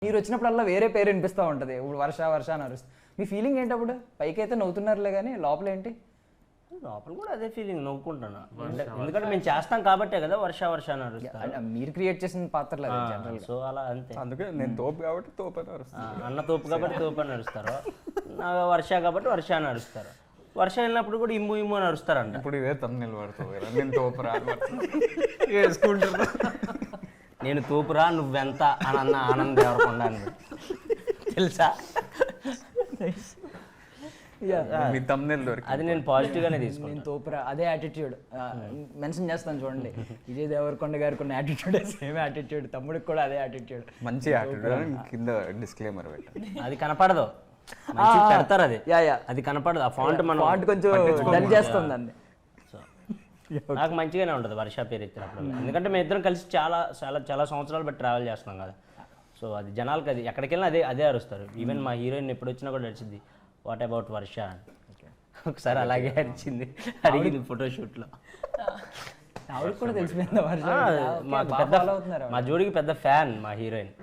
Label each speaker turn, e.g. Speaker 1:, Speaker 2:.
Speaker 1: మీరు వచ్చినప్పుడల్లా వేరే పేరు వినిపిస్తూ ఉంటుంది. ఇప్పుడు వర్ష వర్ష అని అరుస్తుంది. మీ ఫీలింగ్ ఏంటప్పుడు? పైకి అయితే నవ్వుతున్నారులే కానీ లోపల ఏంటి?
Speaker 2: లోపల కూడా అదే ఫీలింగ్, నవ్వుకుంటాను. ఎందుకంటే మేము చేస్తాం కాబట్టే కదా వర్ష వర్ష అని అరుస్తాను.
Speaker 1: మీరు క్రియేట్ చేసిన పాత్రలు అదే జనరల్.
Speaker 2: సో అలా అంతే.
Speaker 3: అందుకే నేను తోపు కాబట్టి తోపు అని అరుస్తాను.
Speaker 2: అన్న తోపు కాబట్టి తోపు అని అరుస్తారు, నా వర్ష కాబట్టి వర్ష అని అరుస్తారు. వర్షం వెళ్ళినప్పుడు కూడా ఇమ్ము ఇమ్ము అని అరుస్తారంట.
Speaker 3: ఇప్పుడు ఇదే తమ్ముళ్ళు పడుతుంది కదా, నేను తోపు రా వేసుకుంటారు.
Speaker 2: నేను తోపురా నువ్వెంత అని అన్న ఆనంద్ దేవరకొండ అని తెలుసా?
Speaker 3: మీ తమ్ముళ్ళు దొరికి
Speaker 2: అది నేను పాజిటివ్గానే తీసుకున్నాను.
Speaker 1: నేను తోపురా అదే యాటిట్యూడ్ మెన్షన్ చేస్తాను చూడండి. విజయ్ దేవరకొండ గారికి ఉన్న యాటిట్యూడ్ సేమ్ యాటిట్యూడ్, తమ్ముడికి కూడా అదే యాటిట్యూడ్.
Speaker 3: మంచి యాటిట్యూడ్ కింద డిస్క్లైమర్ పెట్టాను.
Speaker 2: అది కనపడదు, మంచిగా పెడతారు. అది అది కనపడదు. ఆ ఫాంట్ మనం
Speaker 1: ఫాంట్ కొంచెం డల్ చేస్తుంది అండి.
Speaker 2: సో నాకు మంచిగానే ఉంటుంది వర్ష పేరు ఎత్తినప్పుడు, ఎందుకంటే మేము ఇద్దరం కలిసి చాలా చాలా చాలా సంవత్సరాలు బట్టి ట్రావెల్ చేస్తున్నాం కదా. సో అది జనాలకి అది ఎక్కడికి వెళ్ళినా అదే అదే అరుస్తారు. ఈవెన్ మా హీరోయిన్ ఎప్పుడు వచ్చినా కూడా అరిచింది వాట్ అబౌట్ వర్ష అని. ఒకసారి అలాగే అరిచింది, అడిగింది ఫోటోషూట్లో.
Speaker 1: ఆవిడకి కూడా తెలిసిపోయింది వర్ష.
Speaker 2: మాకు పెద్ద, మా జోడికి పెద్ద ఫ్యాన్ మా హీరోయిన్.